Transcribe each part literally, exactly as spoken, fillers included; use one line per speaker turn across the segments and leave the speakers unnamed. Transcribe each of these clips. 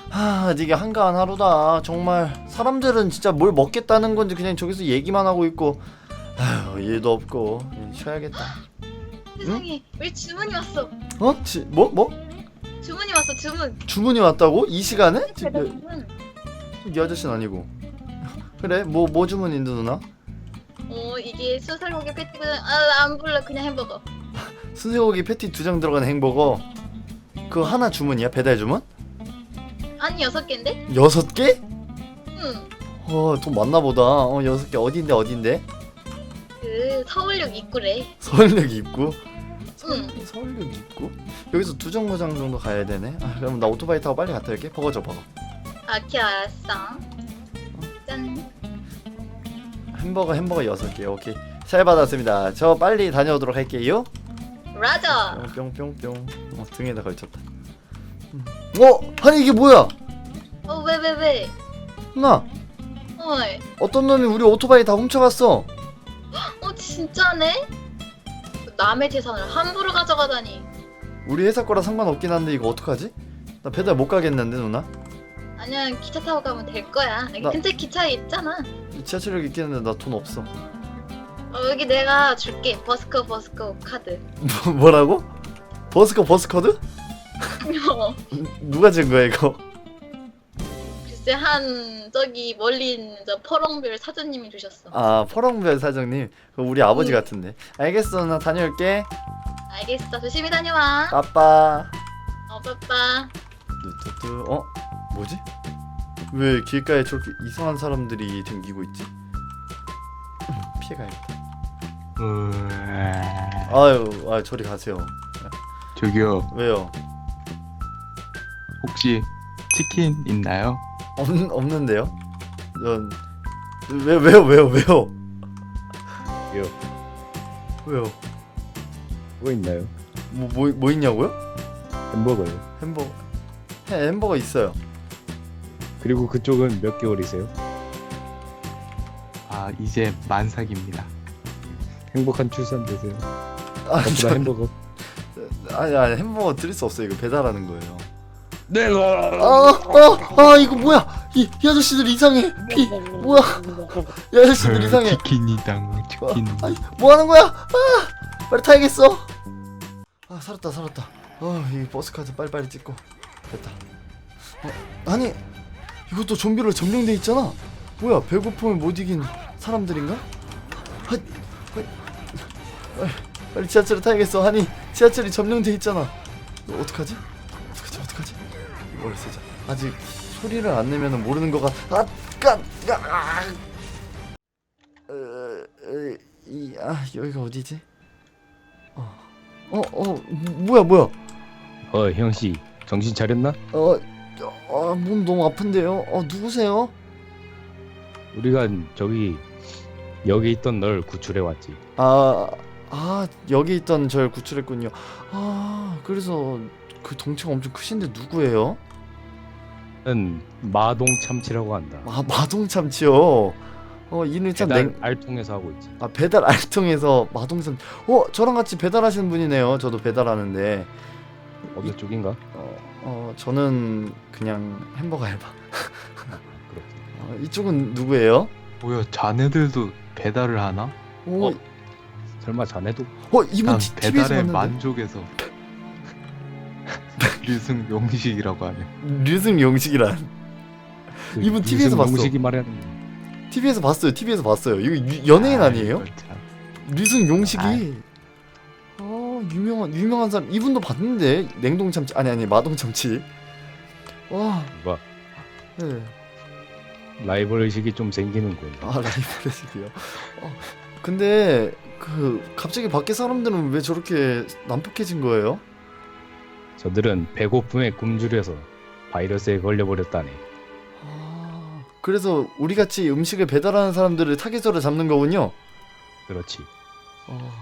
하, 이게 한가한 하루다. 정말 사람들은 진짜 뭘 먹겠다는 건지 그냥 저기서 얘기만 하고 있고, 아휴, 일도 없고 그냥 쉬어야겠다.
세상에 우리 주문이 왔어.
어? 지, 뭐? 뭐?
주문이 왔어 주문.
주문이 왔다고? 이 시간에? 지,
배달
이,
주문.
이 아저씨는 아니고. 그래? 뭐, 뭐 주문인데 누나?
어 이게 수살고기 패티는 아안 불러 그냥 햄버거.
순세고기 패티 두 장 들어간 햄버거. 그거 하나 주문이야? 배달 주문?
아니 여섯 개인데?
여섯 개?
응.
어, 돈 많나 보다. 어, 여섯 개 어딘데 어딘데?
그 서울역 입구래.
서울역 입구?
응.
서울역 입구? 여기서 두 정거장 정도 가야 되네. 아, 그럼 나 오토바이 타고 빨리 갔다 올게. 버거 줘 버거.
아키 알았어. 짠.
햄버거 햄버거 여섯 개. 오케이. 잘 받았습니다. 저 빨리 다녀오도록 할게요.
라자.
뿅뿅뿅. 어, 등에다 걸쳤다. 음. 어? 아니 이게 뭐야?
어 왜 왜 왜?
누나
어이.
어떤 놈이 우리 오토바이 다 훔쳐갔어.
어 진짜네? 남의 재산을 함부로 가져가다니.
우리 회사 거라 상관없긴 한데 이거 어떡하지? 나 배달 못 가겠는데 누나?
아니야 기차 타고 가면 될 거야. 여기
나-
근처에 기차에 있잖아.
지하철역 있겠는데 나 돈 없어.
어 여기 내가 줄게. 버스커 버스커 카드.
뭐, 뭐라고? 버스커 버스커드?
어.
누가 준 거야 이거?
글쎄 한 저기 멀리 있는 저 퍼렁별 사장님이 주셨어.
아 퍼렁별 사장님. 그거 우리 아버지
응.
같은데. 알겠어 나 다녀올게.
알겠어. 조심히 다녀와.
빠빠.
어 빠빠.
뚜뚜뚜. 어? 뭐지? 왜 길가에 저렇게 이상한 사람들이 댕기고 있지? 피해가야겠다. 아유, 아 저리 가세요.
저기요,
왜요?
혹시 치킨 있나요?
없 없는데요? 전 왜, 왜요 왜요 왜요?
왜요?
왜요?
뭐 있나요?
뭐 뭐 뭐 있냐고요?
햄버거요.
햄버거. 해 햄버거 있어요.
그리고 그쪽은 몇 개월이세요?
아, 이제 만삭입니다.
행복한 출산 되세요.
아,
전부 다 햄버거.
아니 아니 햄버거 드릴 수 없어요. 이거 배달하는 거예요.
내가.
아아아 이거 뭐야? 이, 이 아저씨들 이상해. 피 뭐야? 이 아저씨들 이상해.
치킨이당 치킨.
아니 뭐 하는 거야? 아 빨리 타야겠어. 아 살았다 살았다. 아이 버스 카드 빨리빨리 찍고 됐다. 어, 아니 이것도 좀비로 점령돼 있잖아. 뭐야 배고픔을 못 이긴 사람들인가? 아, 아, 빨리 지하철을 타야겠어. 아니 지하철이 점령돼 있잖아. 너 어떡하지? 어떡하지 어떡하지? 이걸 쓰자. 아직 소리를 안 내면은 모르는 것 같. 아, 까, 까, 아. 어, 어, 이, 아 여기가 어디지? 어, 어, 어, 뭐야, 뭐야?
어 형씨 정신 차렸나?
어, 어, 몸 너무 아픈데요. 어, 누구세요?
우리가 저기 여기 있던 널 구출해 왔지.
아, 아, 여기 있던 절 구출했군요. 아, 그래서 그 덩치가 엄청 크신데 누구예요?
는 마동 참치라고 한다.
아, 마동참치요. 어, 이는 참
배달
냉.
알통해서 하고 있지.
아, 배달 알통에서 마동참. 어, 저랑 같이 배달하시는 분이네요. 저도 배달하는데.
어느 쪽인가?
어, 어, 저는 그냥 햄버거 알바.
그렇지.
어, 이쪽은 누구예요?
뭐야, 자네들도 배달을 하나?
오,
어? 설마 자네도?
어, 이분
난
티- 티비에서
배달의
봤는데.
만족에서 류승 용식이라고 하네.
류승 용식이란.
그
이분 티비에서 봤어.
용식이 말하는
티비에서 봤어요. 티비에서 봤어요. 이거 유, 연예인
아,
아니에요?
이걸 참.
류승 용식이.
아이.
어, 유명한 유명한 사람. 이분도 봤는데 냉동 참치 아니 아니 마동 참치. 와,
뭐
네.
라이벌 의식이 좀 생기는군.
아 라이브레식이요. 어, 근데 그 갑자기 밖에 사람들은 왜 저렇게 난폭해진 거예요?
저들은 배고픔에 굶주려서 바이러스에 걸려버렸다네.
아, 그래서 우리 같이 음식을 배달하는 사람들을 타겟으로 잡는 거군요.
그렇지.
어,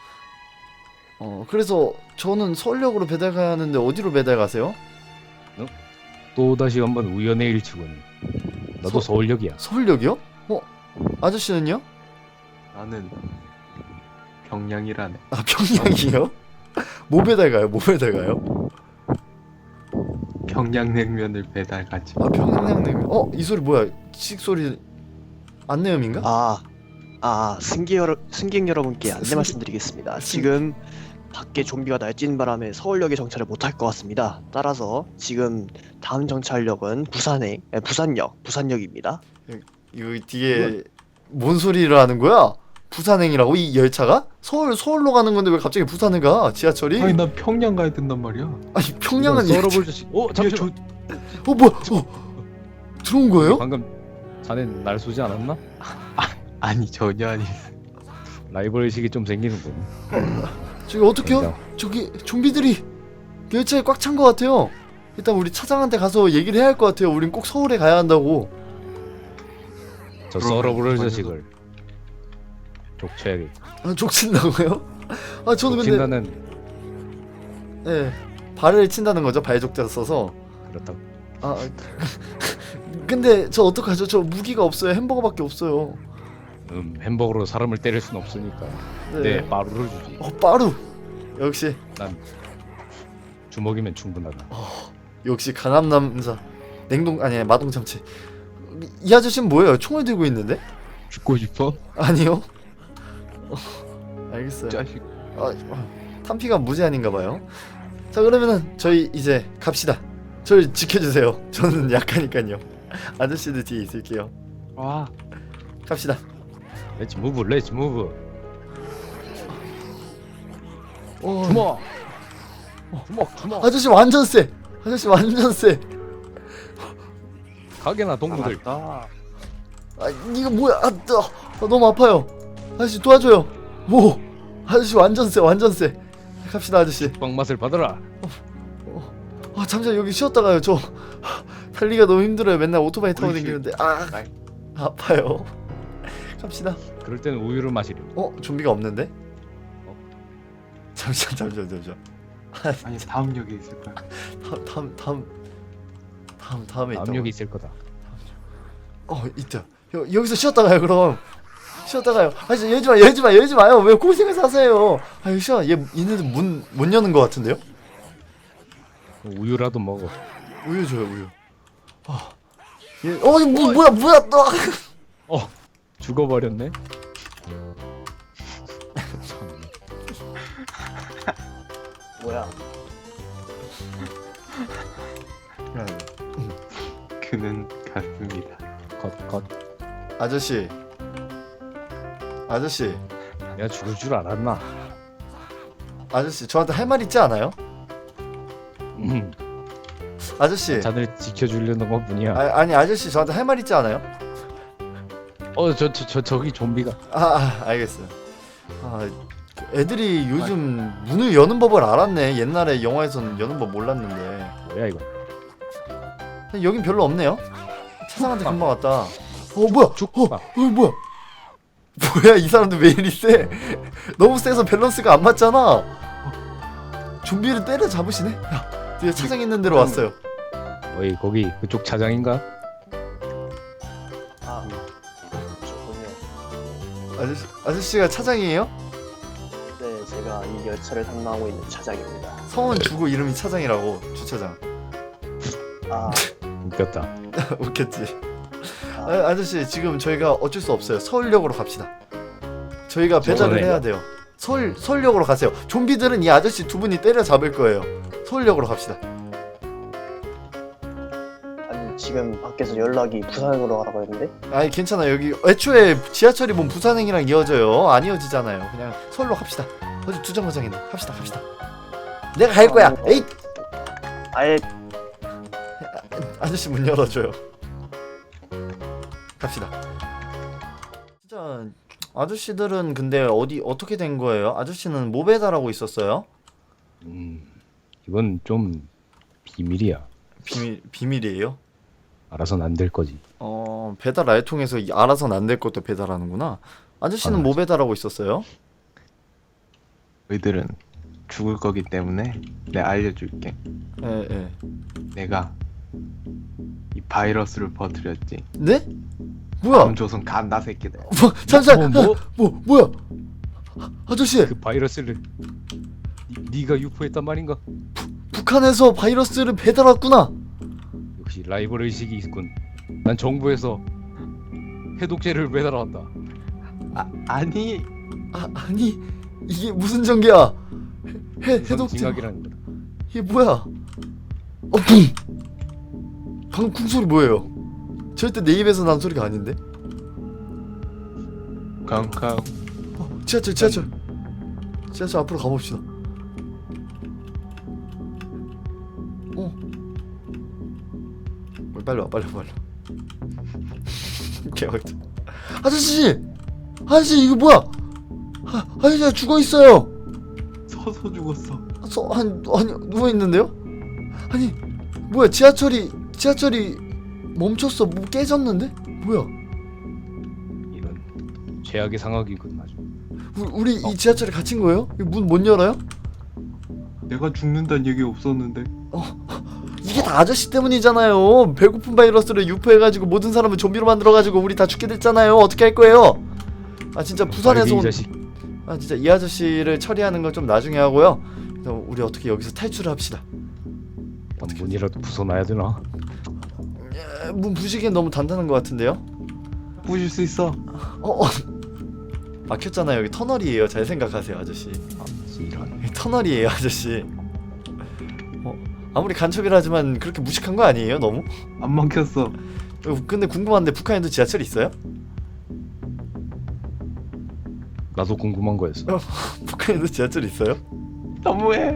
어 그래서 저는 서울역으로 배달 가야 하는데 어디로 배달 가세요?
또 다시 한번 우연의 일치군. 나도
서-
서울역이야.
서울역이요? 어, 아저씨는요?
나는 평양이라네.
아 평양이요? 뭐 배달 가요? 뭐 배달 가요?
평양냉면을 배달 가지.
아 평양냉면. 어 이 소리 뭐야? 식 소리 안내음인가?
아, 아 승객 여러 승객 여러분께 안내
승객-
말씀드리겠습니다.
승-
지금 밖에 좀비가 날뛰는 바람에 서울역에 정차를 못할 것 같습니다. 따라서 지금 다음 정차역은 부산행, 에, 부산역, 부산역입니다.
이거 뒤에 뭔 소리를 하는 거야? 부산행이라고 이 열차가? 서울 서울로 가는 건데 왜 갑자기 부산에 가? 지하철이?
아니 난 평양 가야 된단 말이야.
아니 평양은
썰어볼 자식. 어 잠시만.
어 뭐야? 어 들어온 거예요?
방금 자네 날 쏘지 않았나?
아니 전혀 아니.
라이벌 의식이 좀 생기는군.
저기 어떡해요? 저기 좀비들이 열차에 꽉 찬 것 같아요. 일단 우리 차장한테 가서 얘기를 해야 할 것 같아요. 우린 꼭 서울에 가야 한다고.
저
그럼
썰어볼
먼저-
자식을 족쳐야겠.
아, 족친다고요? 아 저는 근데
족친다는
예 발을 친다는 거죠. 발족자 써서.
그렇다.
아 근데 저 어떡하죠? 저 무기가 없어요. 햄버거밖에 없어요.
음 햄버거로 사람을 때릴 순 없으니까.
네.
네 빠루를 주지.
어 빠루. 역시
난 주먹이면 충분하다.
역시 강한 남자. 냉동 아니 마동 참치. 이, 이 아저씨는 뭐예요? 총을 들고 있는데?
죽고 싶어?
아니요. 어, 알겠어요.
자식.
아, 탄피가 무제한인가 봐요. 자 그러면은 저희 이제 갑시다. 저를 지켜주세요. 저는 약하니까요. 아저씨들 뒤에 있을게요.
와.
갑시다.
렛츠 무브 렛츠 무브.
어,
주먹. 주먹 주먹.
아저씨 완전 세. 아저씨 완전 세.
가게나 동무들.
아,
아 이거 뭐야? 아, 뜨, 아 너무 아파요. 아저씨 도와줘요. 뭐? 아저씨 완전 세 완전 세. 갑시다 아저씨.
빵 맛을 받아라.
아 잠시만 여기 쉬었다 가요. 저 달리기가 너무 힘들어요. 맨날 오토바이 타고
어이씨.
다니는데 아 아파요. 갑시다.
그럴 때는 우유를 마시려.
어 좀비가 없는데?
어?
잠시만 잠시만 잠시만.
아니 다음 역에 있을 거야.
다음 다음 다음 다음 다음에 있다.
압력이 있을 거다.
어 있다. 여, 여기서 쉬었다 가요 그럼. 쉬었다 가요. 아저씨 열지 마 열지 마 열지 마요. 왜 고생을 사세요? 아 쉬어. 얘 얘네들 문 못 여는 것 같은데요?
우유라도 먹어.
우유 줘요 우유. 아 얘, 어 이거 뭐, 뭐야 뭐야 또.
어 죽어버렸네.
뭐야?
그는 갔습니다.
컷 컷.
아저씨 아저씨
내가 죽을 줄 알았나?
아저씨 저한테 할 말 있지 않아요?
음.
아저씨
자들 지켜주려는 것뿐이야.
아, 아니 아저씨 저한테 할 말 있지 않아요?
어저 저 저 저기 좀비가.
아, 아 알겠어요. 아 애들이 요즘 문을 여는 법을 알았네. 옛날에 영화에서는 여는 법 몰랐는데
뭐야 이거?
여긴 별로 없네요. 차상한테 금방 왔다. 어 뭐야?
죽봐.
어, 어 뭐야? 뭐야 이 사람들 왜 이리 세? 너무 세서 밸런스가 안 맞잖아. 좀비를 때려 잡으시네. 야, 드디어 차장 있는 데로 왔어요.
어이 거기 그쪽 차장인가?
아, 좋군요.
아저씨 아저씨가 차장이에요?
네, 제가 이 열차를 탐방하고 있는 차장입니다.
성은 주고 이름이 차장이라고 주차장.
아,
웃겼다.
웃겼지.
아,
아, 아저씨 지금 저희가 어쩔 수 없어요. 서울역으로 갑시다. 저희가 배달을
서울역이요?
해야 돼요. 서울 서울역으로 가세요. 좀비들은 이 아저씨 두 분이 때려 잡을 거예요. 서울역으로 갑시다.
아니 지금 밖에서 연락이 부산으로 가라고 했는데?
아니 괜찮아. 여기 애초에 지하철이 뭔 부산행이랑 이어져요. 안 이어지잖아요. 그냥 서울로 갑시다. 어디 두 정거장이네. 갑시다 갑시다. 내가 갈 거야.
어.
에이
아예
아저씨 문 열어줘요. 갑시다. 진짜 아저씨들은 근데 어디 어떻게 된 거예요? 아저씨는 뭐 배달하고 있었어요?
음 이건 좀 비밀이야.
비밀 비밀이에요?
알아선 안 될 거지.
어 배달 알통에서 이- 알아서는 안 될 것도 배달하는구나. 아저씨는
아,
뭐 배달하고 있었어요?
너희들은 죽을 거기 때문에 내가 알려줄게.
예 예.
내가 이 바이러스를 퍼뜨렸지.
네? 뭐야?
남조선 간다 새끼들.
뭐, 잠시만.
뭐, 뭐?
뭐 뭐야? 아저씨
그 바이러스를 니, 네가 유포했단 말인가?
북한에서 바이러스를 배달 왔구나.
라이벌 의식이 있군. 난 정부에서 해독제를 배달한다.
아 아니
아 아니 이게 무슨 전기야? 해
우선
해독제
징악이라는 거다.
이게 뭐야? 어 쿵! 방금 쿵 소리 뭐예요? 절대 내 입에서 난 소리가 아닌데?
康康
어 지하철 지하철 지하철 앞으로 가봅시다. 어 빨리 와 빨리 와 빨리 와. 개박자. 아저씨 아저씨 이거 뭐야? 아, 아저씨가 죽어 있어요.
서서 죽었어.
서, 아니, 아니 누워 있는데요? 아니 뭐야 지하철이 지하철이 멈췄어. 뭐 깨졌는데? 뭐야?
이런 최악의 상황이군 아주.
우리, 우리 이 지하철에 갇힌 거예요? 문 못 열어요?
내가 죽는다는 얘기 없었는데.
이게 다 아저씨 때문이잖아요. 배고픈 바이러스를 유포해가지고 모든 사람을 좀비로 만들어가지고 우리 다 죽게 됐잖아요. 어떻게 할 거예요? 아 진짜 부산에서
빨리 이
온
자식.
아 진짜 이 아저씨를 처리하는 건 좀 나중에 하고요. 그래서 우리 어떻게 여기서 탈출을 합시다.
문이라도 부숴놔야 되나?
에, 문 부시기엔 너무 단단한 것 같은데요?
부실 수 있어.
어, 어. 막혔잖아요. 여기 터널이에요. 잘 생각하세요, 아저씨.
아, 이런.
여기 터널이에요, 아저씨. 어, 아무리 간첩이라 하지만 그렇게 무식한 거 아니에요, 너무?
안 막혔어.
어, 근데 궁금한데 북한에도 지하철 있어요?
나도 궁금한 거였어.
북한에도 지하철 있어요?
너무해.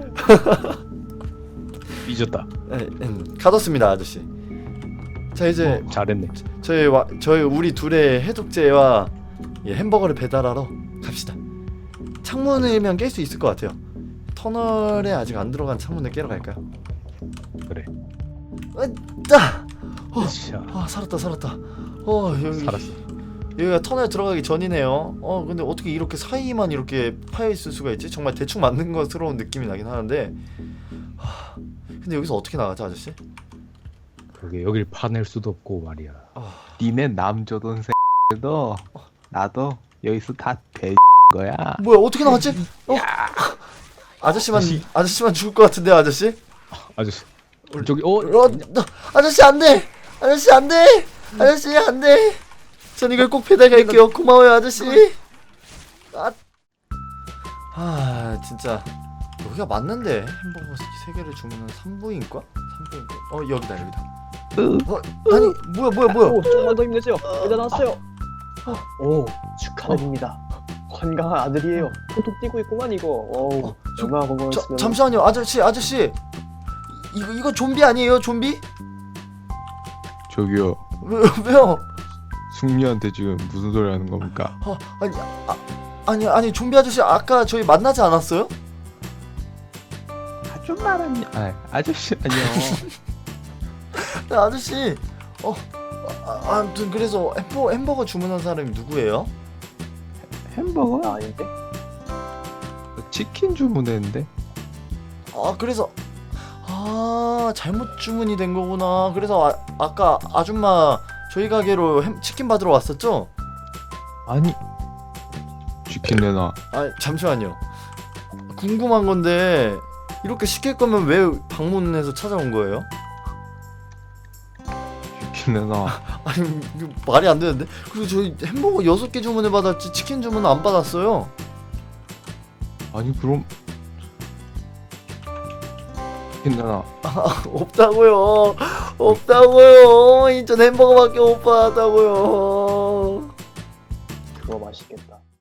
삐졌다.
에, 음, 가뒀습니다, 아저씨. 자 이제
어, 잘했네.
저희 와, 저희 우리 둘의 해독제와 예, 햄버거를 배달하러 갑시다. 창문이면 깰 수 있을 것 같아요. 터널에 아직 안 들어간 창문을 깨러 갈까요?
그래.
자, 어,
자,
아 살았다 살았다. 어 여기
살았어.
여기가 터널 들어가기 전이네요. 어 근데 어떻게 이렇게 사이만 이렇게 파여 있을 수가 있지? 정말 대충 맞는 것스러운 느낌이 나긴 하는데. 하, 근데 여기서 어떻게 나가지 아저씨?
그게 여길 파낼 수도 없고 말이야.
아,
니네 남조던 새도 나도 여기서 다 돼. 거야.
뭐야 어떻게 나갔지? 어? 아저씨만
다시.
아저씨만 죽을 것 같은데 아저씨?
아저씨. 저기 어.
어, 너, 아저씨 안돼, 아저씨 안돼, 아저씨 안돼. 전 이걸 꼭 배달 갈게요. 고마워요 아저씨. 아, 아 진짜 여기가 맞는데 햄버거 세 개를 주문한 산부인과? 산부인과? 어 여기다 여기다. 어 아니 뭐야 뭐야 뭐야?
오, 조금만 더 힘내세요. 배달 나왔어요. 오, 축하드립니다. 건강한 아들이에요. 톡톡 뛰고 있구만 이거. 어우,
어, 저-
얼마나
자,
건강했으면.
잠시만요 아저씨 아저씨 이거 이거 좀비 아니에요 좀비?
저기요.
왜, 왜요?
숙녀한테 지금 무슨 소리 하는 겁니까?
어, 아니 아, 아니 아니 좀비 아저씨 아까 저희 만나지 않았어요?
아줌마라니. 아 아저씨 아니요.
네, 아저씨 어 아, 아무튼 그래서 햄버, 햄버거 주문한 사람이 누구예요?
햄버거?
아, 아닌데?
치킨 주문했는데.
아 그래서 아 잘못 주문이 된 거구나. 그래서 아, 아까 아줌마 저희 가게로 햄, 치킨 받으러 왔었죠?
아니. 치킨 내놔.
아 잠시만요. 궁금한 건데 이렇게 시킬 거면 왜 방문해서 찾아온 거예요?
치킨 내놔.
아니 이거 말이 안 되는데. 그리고 저희 햄버거 여섯 개 주문을 받았지 치킨 주문은 안 받았어요.
아니 그럼 치킨 내놔.
아, 없다고요. 없다고요. 인천 햄버거밖에 못 받았다고요.
그거 맛있겠다.